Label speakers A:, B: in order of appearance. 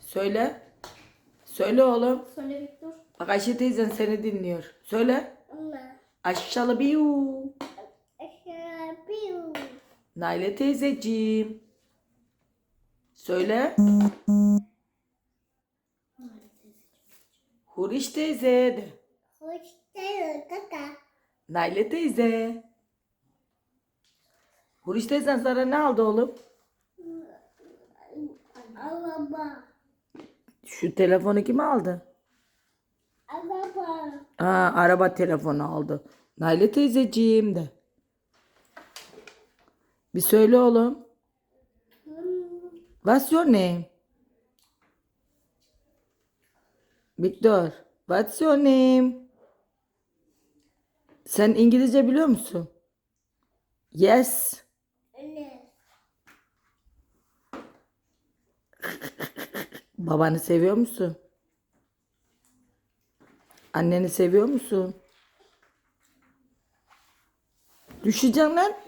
A: Söyle. Söyle oğlum.
B: Söyle Victor.
A: Bak Ayşe teyzen seni dinliyor. Söyle.
B: Anne.
A: Aşağı biu. Naile teyzeciğim. Söyle. Huriş teyze de. Naile teyze. Huriş teyzen sana ne aldı oğlum?
B: Araba.
A: Şu telefonu kim aldı?
B: Araba.
A: Araba telefonu aldı. Naile teyzeciğim de. Bir söyle oğlum. What's your name? Victor. What's your name? Sen İngilizce biliyor musun? Yes.
B: Anne.
A: Babanı seviyor musun? Anneni seviyor musun? Düşeceksin lan.